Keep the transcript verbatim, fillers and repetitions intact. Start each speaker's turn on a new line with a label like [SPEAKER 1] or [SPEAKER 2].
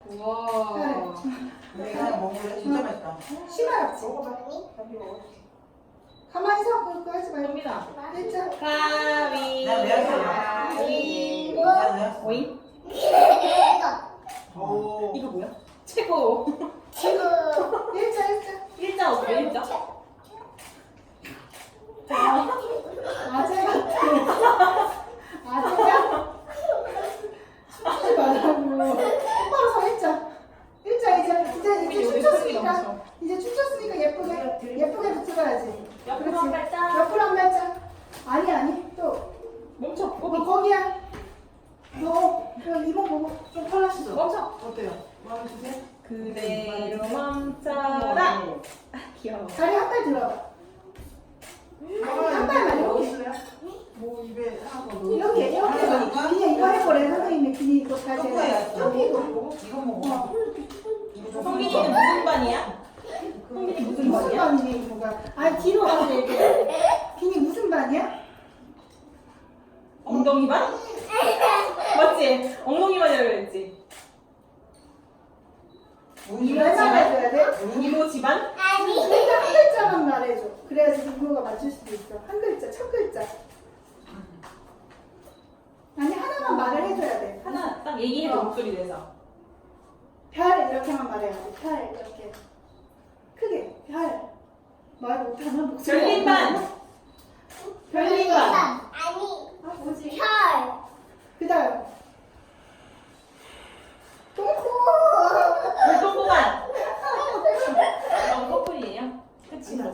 [SPEAKER 1] 우와.
[SPEAKER 2] 내가 먹을래? 진짜 맛있다.
[SPEAKER 3] 심하지?
[SPEAKER 2] 먹어봐.
[SPEAKER 3] 가만히 서 그거 하지 말고.
[SPEAKER 1] 현민아.
[SPEAKER 3] 일자.
[SPEAKER 1] 가위.
[SPEAKER 2] 난 외웠어요.
[SPEAKER 1] 가위.
[SPEAKER 2] 난 외웠어.
[SPEAKER 1] 오잉?
[SPEAKER 2] 오.
[SPEAKER 1] 이거 뭐야? 최고.
[SPEAKER 3] 일자 일자.
[SPEAKER 1] 일자 어때? 일자?
[SPEAKER 3] 아재 같아. 아재야? 춤추지 말라고. 똑바로 서 일자. 일자 이제 이제 이제 춤췄으니까 이제 춤췄으니까 예쁘게 예쁘게 붙여야지.
[SPEAKER 1] 옆으로 한 발짝.
[SPEAKER 3] 옆으로 한 발짝. 아니 아니 또.
[SPEAKER 1] 멈춰.
[SPEAKER 3] 너
[SPEAKER 1] 꼬비.
[SPEAKER 3] 거기야. 너 그럼 이거 보고 좀 털났어.
[SPEAKER 1] 멈춰.
[SPEAKER 2] 어때요? 마음에 드세요?
[SPEAKER 1] 그대로 멈춰라. 아, 귀여워.
[SPEAKER 3] 다리 한 발 들어봐. 한 발만 이렇게.
[SPEAKER 2] 뭐 입에 하고
[SPEAKER 3] 이렇게 이렇게 해서 그냥 이거 해보래 선생님이 그냥 이거 다시
[SPEAKER 2] 초코야.
[SPEAKER 3] 쪼개고.
[SPEAKER 2] 이거 먹어. 이거 좀
[SPEAKER 1] 성민이는 무슨 반이야? 성민이 무슨
[SPEAKER 3] 무슨
[SPEAKER 1] 반이야?
[SPEAKER 3] 반이니 이거가? 아 뒤로 가서 얘기해. 비니 무슨 반이야?
[SPEAKER 1] 엉덩이 반? 맞지? 엉덩이 반이라고 그랬지?
[SPEAKER 3] 왜 말해줘야 돼?
[SPEAKER 1] 이모 집안?
[SPEAKER 3] 그러니까 한 글자만 말해줘. 그래야지 동료가 맞출 수도 있어. 한 글자, 첫 글자. 아니 하나만 말을 해줘야 돼.
[SPEAKER 1] 하나 딱 얘기해줘.
[SPEAKER 3] 어.
[SPEAKER 1] 목소리 내서.
[SPEAKER 3] 별 이렇게만 말해야 돼. 별 이렇게 크게 별. 말 못하면 목소리.
[SPEAKER 1] 별빛반.